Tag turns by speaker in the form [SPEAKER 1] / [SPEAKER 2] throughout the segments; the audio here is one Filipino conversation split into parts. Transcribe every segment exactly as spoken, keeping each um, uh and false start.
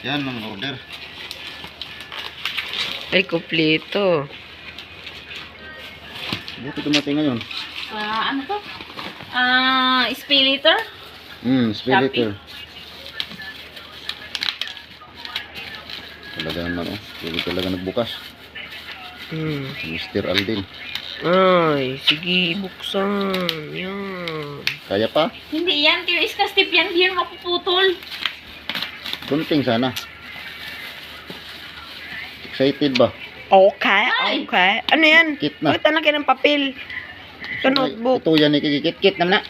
[SPEAKER 1] Yan ang order.
[SPEAKER 2] Ay, kumpleto.
[SPEAKER 1] Buti dumating ngayon.
[SPEAKER 3] Ah, ano to? Ah, spilitor?
[SPEAKER 1] Hmm, spiritor. Talaga naman oh. Hindi talaga nagbukas.
[SPEAKER 2] Hmm.
[SPEAKER 1] Mister Aldin.
[SPEAKER 2] Ay, sige, buksan. Yan.
[SPEAKER 1] Kaya pa?
[SPEAKER 3] Hindi yan, kaya iskastip yan, hindi yan mapuputol.
[SPEAKER 1] Kunting sana. Excited ba?
[SPEAKER 2] Okay,
[SPEAKER 3] Ay.
[SPEAKER 2] okay. Ano yan?
[SPEAKER 1] Kit na.
[SPEAKER 2] Bakit ang laki ng papel? Sa notebook.
[SPEAKER 1] Ito yan, ikikit-kit naman na.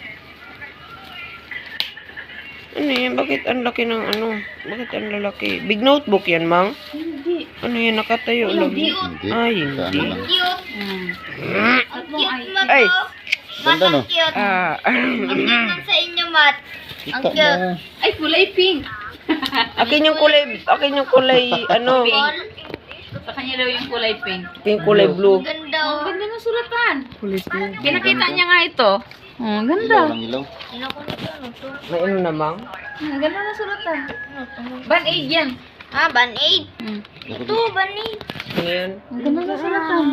[SPEAKER 2] Ano yan? Bakit ang laki ng ano? Bakit ang lalaki? Big notebook yan, Mang?
[SPEAKER 3] Hindi.
[SPEAKER 2] Ano yan? Nakatayo lang.
[SPEAKER 1] Hindi.
[SPEAKER 2] Ay,
[SPEAKER 1] Sa ano
[SPEAKER 2] hindi.
[SPEAKER 1] lang.
[SPEAKER 4] Cute.
[SPEAKER 3] Hmm.
[SPEAKER 4] Ang cute mo
[SPEAKER 2] Ay.
[SPEAKER 4] to. Mat,
[SPEAKER 1] Ganda no?
[SPEAKER 4] ang cute.
[SPEAKER 2] Ah,
[SPEAKER 4] Ang cute nun sa inyo, Mat. Ang
[SPEAKER 1] Kita
[SPEAKER 4] cute.
[SPEAKER 1] mo.
[SPEAKER 3] Ay, kulay pink.
[SPEAKER 2] akin yung kulay, akin yung kulay, ano,
[SPEAKER 4] Ball.
[SPEAKER 3] Sa kanya daw yung kulay pink.
[SPEAKER 2] pink kulay blue.
[SPEAKER 4] Ganda.
[SPEAKER 3] Ang
[SPEAKER 4] Oh.
[SPEAKER 3] ganda ng sulatan.
[SPEAKER 2] Kulay blue.
[SPEAKER 3] Pinakita niya nga ito. Oh, ang
[SPEAKER 1] Ilaw
[SPEAKER 3] ganda.
[SPEAKER 1] lang ilaw.
[SPEAKER 4] Sino ko nito? Ano to?
[SPEAKER 2] May ano na, Mang?
[SPEAKER 3] Ang ganda ng sulatan.
[SPEAKER 4] Ano to?
[SPEAKER 3] Band-aid yan.
[SPEAKER 4] Ah, Band-Aid.
[SPEAKER 3] Hmm.
[SPEAKER 4] Ito, Band-Aid.
[SPEAKER 2] Ano yan?
[SPEAKER 3] Ang ganda ng sulatan.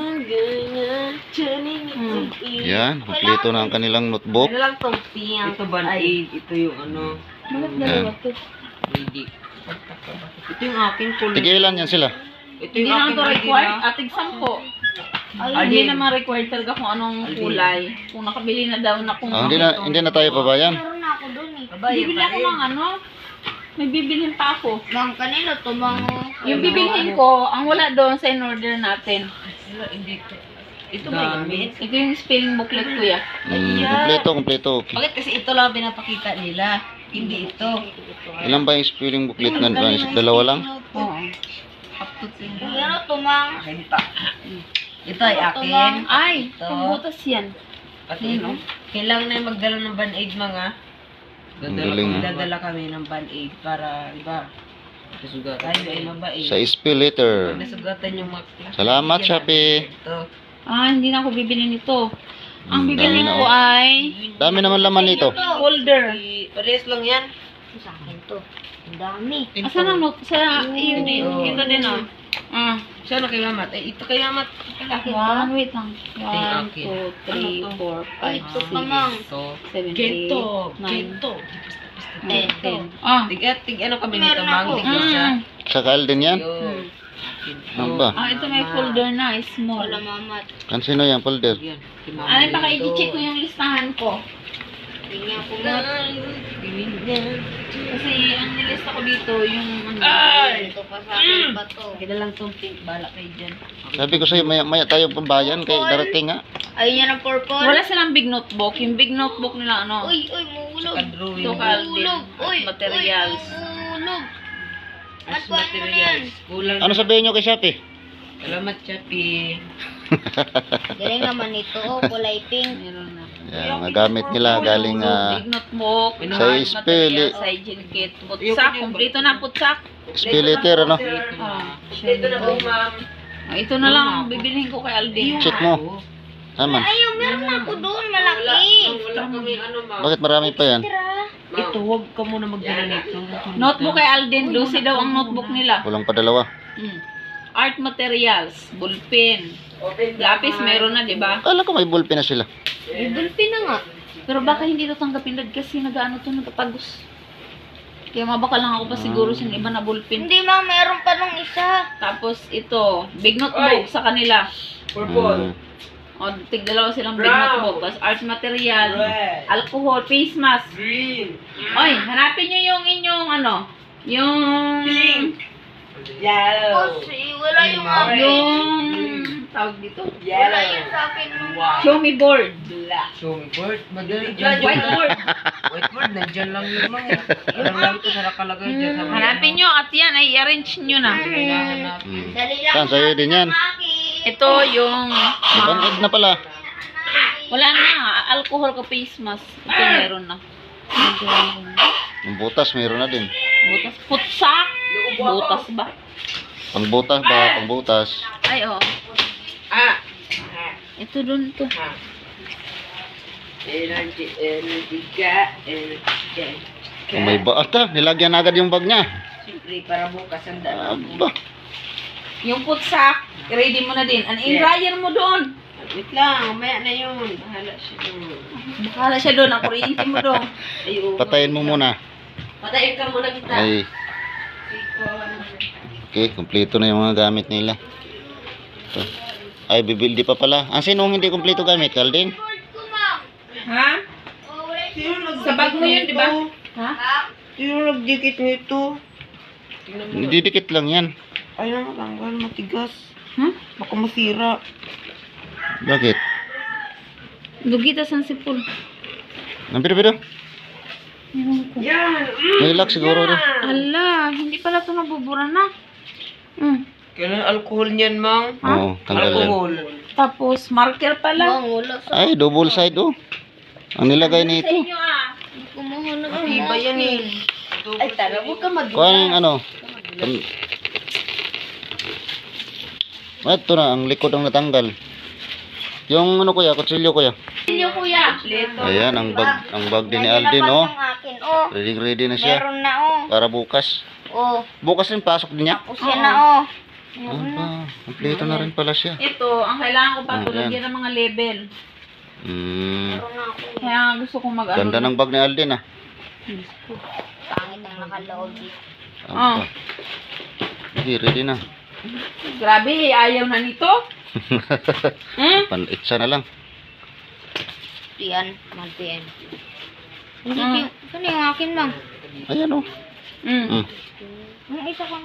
[SPEAKER 3] Hmm.
[SPEAKER 1] Yan, kumpleto na ang kanilang notebook.
[SPEAKER 2] Ano lang tong pink? Ito band-aid. Ito yung ano.
[SPEAKER 3] Bakit dalawa to?
[SPEAKER 2] Ready. Ito yung akin kulay.
[SPEAKER 1] Tigilan yan sila.
[SPEAKER 2] Ito
[SPEAKER 3] Hindi
[SPEAKER 2] yung
[SPEAKER 3] naman
[SPEAKER 2] akin
[SPEAKER 3] to
[SPEAKER 2] ready
[SPEAKER 3] required.
[SPEAKER 2] na.
[SPEAKER 3] Atig sampo.
[SPEAKER 4] Ay,
[SPEAKER 3] Hindi naman required talaga kung anong kulay. Kung nakabili na daw na kung
[SPEAKER 1] Ah, hindi na hindi na tayo pabayan.
[SPEAKER 4] meron na ako dun eh.
[SPEAKER 3] Bibili ako ng ano. May bibilhin pa ako.
[SPEAKER 4] Mang kanino to, Mang?
[SPEAKER 3] Yung bibilhin ko, ang wala doon sa in-order natin.
[SPEAKER 2] Ito ba gamit?
[SPEAKER 3] Ito yung spelling booklet ko ya.
[SPEAKER 1] Hmm, kumpleto, kumpleto. Okay.
[SPEAKER 2] Bakit kasi ito lang pinapakita nila? Hindi ito.
[SPEAKER 1] Ilan ba yung spelling booklet na? Dalawa lang?
[SPEAKER 3] Oo.
[SPEAKER 2] Up to ten.
[SPEAKER 4] Ano to, Mang?
[SPEAKER 2] Akin pa. Ito ay akin.
[SPEAKER 3] Ay,
[SPEAKER 2] Ito.
[SPEAKER 3] pangbutas yan.
[SPEAKER 2] Pati no? Kailangan na yung magdala ng band-aid mga.
[SPEAKER 1] Ang galing, ah.
[SPEAKER 2] Dadala kami ng band-aid para, di ba? Tayo ay mabait.
[SPEAKER 1] Sa spiritor.
[SPEAKER 2] Pag nasugatan yung mga class.
[SPEAKER 1] Salamat,
[SPEAKER 2] bigyan
[SPEAKER 1] Shopee.
[SPEAKER 2] natin ito.
[SPEAKER 3] Ah, hindi na ako bibili nito. Ang
[SPEAKER 1] Hmm,
[SPEAKER 3] bibilhin
[SPEAKER 1] dami na,
[SPEAKER 3] ko
[SPEAKER 1] oh.
[SPEAKER 3] ay
[SPEAKER 1] Dami naman laman nito.
[SPEAKER 3] folder.
[SPEAKER 2] I- Parehas lang yan.
[SPEAKER 4] Sa akin to. Ang dami.
[SPEAKER 3] Asan ang note? Sa yun din. Ito din oh. Ah.
[SPEAKER 2] Siya na kay Mamat. Eh, ito kay Mamat.
[SPEAKER 3] One, wait lang. One,
[SPEAKER 2] akin.
[SPEAKER 3] two, three,
[SPEAKER 2] Ano to?
[SPEAKER 3] four, five,
[SPEAKER 4] Ito
[SPEAKER 3] six,
[SPEAKER 4] pa, Mang.
[SPEAKER 2] Ito.
[SPEAKER 3] seven,
[SPEAKER 2] Gento.
[SPEAKER 3] eight, nine,
[SPEAKER 2] Gento.
[SPEAKER 3] ten,
[SPEAKER 4] Ito.
[SPEAKER 3] ten. Ah.
[SPEAKER 2] Tig, at tig, ano kami nito,
[SPEAKER 4] Meron
[SPEAKER 2] Mang?
[SPEAKER 4] ako.
[SPEAKER 2] Tig, siya.
[SPEAKER 3] Mm.
[SPEAKER 1] Sa kaal din yan?
[SPEAKER 2] Yun.
[SPEAKER 1] Ano ba?
[SPEAKER 3] Ah, ito may folder na, small.
[SPEAKER 4] Wala, Mamat.
[SPEAKER 1] Kansino yan, folder?
[SPEAKER 2] Yan. Kay Mama
[SPEAKER 3] Ano pa
[SPEAKER 2] nito.
[SPEAKER 3] i-check ko yung listahan ko.
[SPEAKER 4] Tingnan ko, Mat.
[SPEAKER 3] Kasi ang nilista ko dito, yung ano.
[SPEAKER 4] Ito pa sa akin pa to.
[SPEAKER 2] Kaya lang itong pink. Bala kayo dyan.
[SPEAKER 1] Sabi ko sa'yo, maya, maya tayo pambayan kay darating nga.
[SPEAKER 4] Ayun yan ang purple.
[SPEAKER 3] Wala silang big notebook. Yung big notebook nila, ano?
[SPEAKER 4] Uy, uy, muulog.
[SPEAKER 2] Saka drawing.
[SPEAKER 3] Ito, Calvin.
[SPEAKER 4] Muulog. Uy,
[SPEAKER 3] Materials.
[SPEAKER 4] Uy, muulog.
[SPEAKER 2] As
[SPEAKER 4] At kuhaan mo na yan.
[SPEAKER 2] materials. Kulang.
[SPEAKER 1] Ano sabihin nyo kay Shopee?
[SPEAKER 2] Salamat, Chappy.
[SPEAKER 4] Galing naman ito. Oh, kulay pink.
[SPEAKER 3] Meron na.
[SPEAKER 1] Yan, nagamit nila galing ah,
[SPEAKER 3] Big notebook.
[SPEAKER 1] sa spili,
[SPEAKER 3] Sa hygiene kit. Putsak. Kompleto na putsak.
[SPEAKER 1] spilitor, ano?
[SPEAKER 3] Ah,
[SPEAKER 2] Ito na po, ma'am.
[SPEAKER 3] Ah, ito na lang ang bibilihin ko kay Aldin.
[SPEAKER 1] Check mo. Naman.
[SPEAKER 4] Ayaw, meron na ako doon. Malaki.
[SPEAKER 2] Wala kami ano, ma'am.
[SPEAKER 1] Bakit marami pa yan?
[SPEAKER 4] Tira.
[SPEAKER 2] Ito, huwag ka muna magdala nito.
[SPEAKER 3] Notebook kay Aldin. Lucy daw ang notebook nila.
[SPEAKER 1] Kulang pa dalawa.
[SPEAKER 3] Mm. Art materials. Ballpen. Lapis meron na, di ba?
[SPEAKER 1] Kala ko may ballpen na sila.
[SPEAKER 4] May bulpin na nga.
[SPEAKER 3] Pero baka hindi ito tanggapin dad kasi nag-ano to natapagos. Kaya mabaka lang ako pa siguro sa iba na ballpen.
[SPEAKER 4] Hindi, ma. Meron pa nung isa.
[SPEAKER 3] Tapos ito, big notebook sa kanila.
[SPEAKER 1] Hmm.
[SPEAKER 3] O, tigdalawa silang big notebook. Tapos art material, alcohol, face mask.
[SPEAKER 2] Green.
[SPEAKER 3] Oy, hanapin nyo yung inyong ano, yung...
[SPEAKER 2] Yellow.
[SPEAKER 4] Oh, si, wala yung akin.
[SPEAKER 3] Yung... Tawag dito?
[SPEAKER 4] Wala yung sa akin.
[SPEAKER 3] Show me board.
[SPEAKER 2] Black. Show me board. Madali dyan.
[SPEAKER 3] Whiteboard.
[SPEAKER 2] Whiteboard, nandyan lang yun, mga. Alam lang ito, nakakalagay dyan. sa mga-
[SPEAKER 3] Hanapin nyo at yan ay i-arrange nyo na.
[SPEAKER 2] Kailangan natin.
[SPEAKER 1] Hmm.
[SPEAKER 4] Dali lang.
[SPEAKER 1] Saan? Sa'yo din yan.
[SPEAKER 4] Akin.
[SPEAKER 3] Ito yung...
[SPEAKER 1] Bangkod na pala.
[SPEAKER 3] Wala na, alcohol ka face mask. Ito meron na.
[SPEAKER 1] Yung butas, mayroon na din.
[SPEAKER 3] Butas. Putsak! Butas ba?
[SPEAKER 1] Pangbutas ba? Pangbutas.
[SPEAKER 3] Ay, oh.
[SPEAKER 2] Ah!
[SPEAKER 3] Ito dun to.
[SPEAKER 2] Ah. Energy, energy ka, energy ka.
[SPEAKER 1] Kung may ba, ata, nilagyan agad yung bag niya.
[SPEAKER 2] Libre para bukas ang dala.
[SPEAKER 1] Aba.
[SPEAKER 3] Yung putsak, ready mo na din. An in-dryer mo doon.
[SPEAKER 2] Wait lang, maya na yun. Bahala siya doon.
[SPEAKER 3] Bahala siya doon. Ang kuryente mo doon.
[SPEAKER 2] Ayun.
[SPEAKER 1] Patayin mo muna.
[SPEAKER 2] Patayin ka muna kita.
[SPEAKER 1] Ay. Okay, kumpleto na yung mga gamit nila. Ito. Ay, bibildi pa pala. Ang sinong hindi kumpleto gamit, Kaldin?
[SPEAKER 3] Ha?
[SPEAKER 2] Sino nag-
[SPEAKER 3] Sa bag mo yun, di ba? Ha?
[SPEAKER 2] Sino nagdikit nito?
[SPEAKER 1] Didikit lang yan.
[SPEAKER 2] Ay, natanggal, matigas.
[SPEAKER 3] Ha?
[SPEAKER 2] Baka masira.
[SPEAKER 1] Bakit?
[SPEAKER 3] Dugita sa sipol.
[SPEAKER 1] Nampiro-piro?
[SPEAKER 2] Yan!
[SPEAKER 1] May lock siguro rin.
[SPEAKER 3] Ala, hindi pala ito nabubura na. Mm.
[SPEAKER 2] Kailan alcohol niyan, Mang?
[SPEAKER 1] Oo, tanggal yan.
[SPEAKER 2] Alcohol.
[SPEAKER 3] Tapos, marker pala.
[SPEAKER 4] Mangulo sa
[SPEAKER 1] Ay, double side oh. Ang nilagay
[SPEAKER 3] Sa
[SPEAKER 1] nito.
[SPEAKER 3] inyo ah.
[SPEAKER 4] kumuhunod ang
[SPEAKER 2] Iba yan eh. Ay, tara, huwag ka mag-
[SPEAKER 1] Kuha yung ano. Tam- Ito na, ang likod ang natanggal. Yung ano kuya, kutsilyo kuya.
[SPEAKER 3] Inyo kuya.
[SPEAKER 2] Kompleto.
[SPEAKER 1] Ayan, ang bag, ang bag din ni Alden oh.
[SPEAKER 4] Ang akin, oh.
[SPEAKER 1] Ready ready na siya.
[SPEAKER 4] Meron na, oh.
[SPEAKER 1] Para bukas.
[SPEAKER 4] Oh,
[SPEAKER 1] Bukas rin pasok din niya.
[SPEAKER 4] tapos yan na, oh.
[SPEAKER 1] Ah, kompleto na rin pala siya.
[SPEAKER 3] Ito, ang kailangan ko pa
[SPEAKER 1] Ayan.
[SPEAKER 3] tulad yan ng mga label.
[SPEAKER 1] Hmm.
[SPEAKER 4] Meron na ako.
[SPEAKER 3] Kaya gusto kong mag-ano.
[SPEAKER 1] Ganda ng bag ni Alden ah.
[SPEAKER 4] Pangit ang nakaloob dito.
[SPEAKER 3] Oh.
[SPEAKER 1] Ah. Sige, ready na.
[SPEAKER 3] Grabe, ayaw na nito. Hmm?
[SPEAKER 1] Panitsa na lang.
[SPEAKER 4] Yan, malpian. Hindi
[SPEAKER 3] Ah.
[SPEAKER 4] yung, saan yung akin, Mang?
[SPEAKER 1] Ayan oh.
[SPEAKER 3] Mm.
[SPEAKER 1] Hmm.
[SPEAKER 4] Yung isa kang...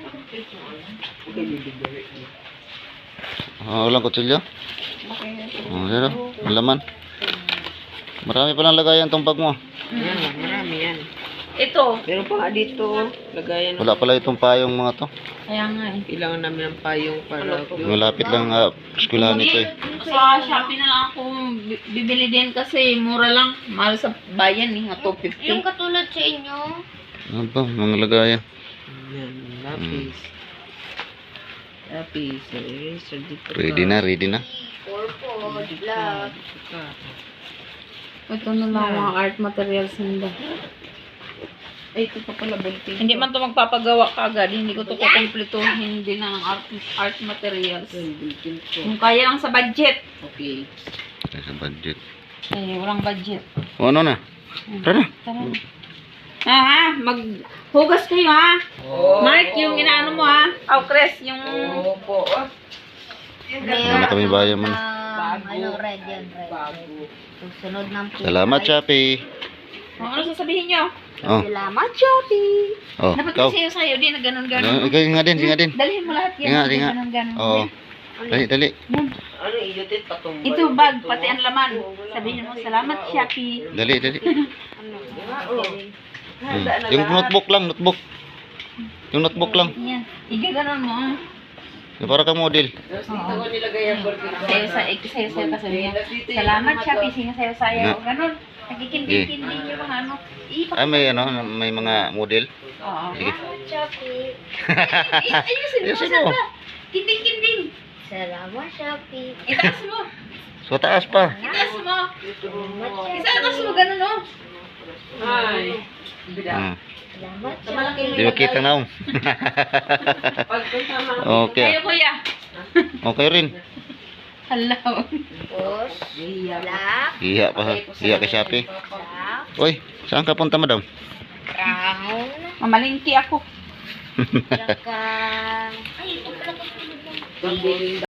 [SPEAKER 1] Ah, walang kutsilyo? Oh, zero. Malaman. Marami palang lagayan tong bag mo.
[SPEAKER 2] Yan, marami yan.
[SPEAKER 3] Ito.
[SPEAKER 2] Meron pa nga dito, lagayan.
[SPEAKER 1] Wala pala itong payong mga to.
[SPEAKER 3] Kaya nga eh.
[SPEAKER 2] Kailangan namin ng payong para...
[SPEAKER 1] Malapit lang uh, eskwelahan nito eh.
[SPEAKER 3] Sa Shopee na lang ako bi- bibili din kasi mura lang. Mahal sa bayan eh, nga two fifty.
[SPEAKER 4] Yung katulad sa inyo.
[SPEAKER 1] Ano ba, mga lagayan.
[SPEAKER 2] Yan, lapis. Lapis, eraser dito.
[SPEAKER 1] Ready na, ready na.
[SPEAKER 4] Purple, black.
[SPEAKER 3] Ito na lang mga art materials nila.
[SPEAKER 2] Ay, ito pa pala, belting.
[SPEAKER 3] Hindi man to magpapagawa kagad. Hindi ko to kukumpletuhin din ng art, art materials.
[SPEAKER 2] Belting ko.
[SPEAKER 3] Kung kaya lang sa budget.
[SPEAKER 2] Okay.
[SPEAKER 1] Ay, sa budget.
[SPEAKER 3] Eh, walang budget.
[SPEAKER 1] O ano na? Tara na.
[SPEAKER 3] Tara na. Ah, ha? Maghugas kayo ha?
[SPEAKER 2] Oh,
[SPEAKER 3] Mark, yung inaano mo ha? Oh, Chris, yung...
[SPEAKER 2] Opo. Oh.
[SPEAKER 1] Wala na kami bayan man.
[SPEAKER 4] Ah,
[SPEAKER 2] Bago.
[SPEAKER 4] ano, red yan, red.
[SPEAKER 2] Bago.
[SPEAKER 4] Susunod ng pink.
[SPEAKER 1] Salamat, Shopee.
[SPEAKER 3] Oh, ano sasabihin nyo?
[SPEAKER 1] Oh,
[SPEAKER 4] Salamat, Shopee.
[SPEAKER 1] oh,
[SPEAKER 3] Dapat
[SPEAKER 1] ikaw.
[SPEAKER 3] kasi sa'yo din na
[SPEAKER 1] Ano,
[SPEAKER 3] ganun-ganun.
[SPEAKER 1] ikaw nga din, nga din.
[SPEAKER 3] Dalhin mo lahat yan.
[SPEAKER 1] Nga,
[SPEAKER 3] na
[SPEAKER 1] nga.
[SPEAKER 3] Ganun-ganun.
[SPEAKER 1] Oo. Dali, dali.
[SPEAKER 3] Yan.
[SPEAKER 2] Ano, iyotin patumbay.
[SPEAKER 3] Ito bag, pati ang laman. Sabihin mo, salamat Shopee.
[SPEAKER 1] Dali, dali.
[SPEAKER 4] Ano?
[SPEAKER 1] Hmm. Yung notebook lang, notebook. Yung notebook lang.
[SPEAKER 3] Yan. Igaganon mo. ah.
[SPEAKER 1] Yung para kang model.
[SPEAKER 2] Tapos dito ko nilagay ang burger.
[SPEAKER 3] Sa'yo, sa, eh, sa'yo, sa'yo ka sabihin. Salamat Shopee, sige sa'yo, sa'yo. Ganun. Nagkikinding-kinding yung mga ano. Ipak.
[SPEAKER 1] Ah, may ano, may mga model.
[SPEAKER 3] Oo.
[SPEAKER 1] Sige.
[SPEAKER 4] Salamat, Shopee.
[SPEAKER 3] Ay- Ayusin mo,
[SPEAKER 1] Ayusin mo.
[SPEAKER 3] sana. Kinding-kinding.
[SPEAKER 4] Salamat, Shopee.
[SPEAKER 3] Itaas mo.
[SPEAKER 1] So, taas pa.
[SPEAKER 3] Itaas mo.
[SPEAKER 4] Salamat,
[SPEAKER 3] Itaas mo, ganun oh.
[SPEAKER 2] Ay.
[SPEAKER 1] Hmm.
[SPEAKER 4] Salamat,
[SPEAKER 3] Sa malaking
[SPEAKER 1] Di ba kita na um?
[SPEAKER 2] Pagpunta mga
[SPEAKER 1] Okay.
[SPEAKER 3] Kayo kuya.
[SPEAKER 1] Okay rin.
[SPEAKER 3] Hello.
[SPEAKER 4] Tapos, black,
[SPEAKER 1] Hiya pa. Hiya kay Shopee.
[SPEAKER 4] black,
[SPEAKER 1] Uy, saan ka punta, madam?
[SPEAKER 4] brown,
[SPEAKER 3] Mamalingki ako.
[SPEAKER 4] tsaka... Ay, ito pala kasunod ng
[SPEAKER 2] burger.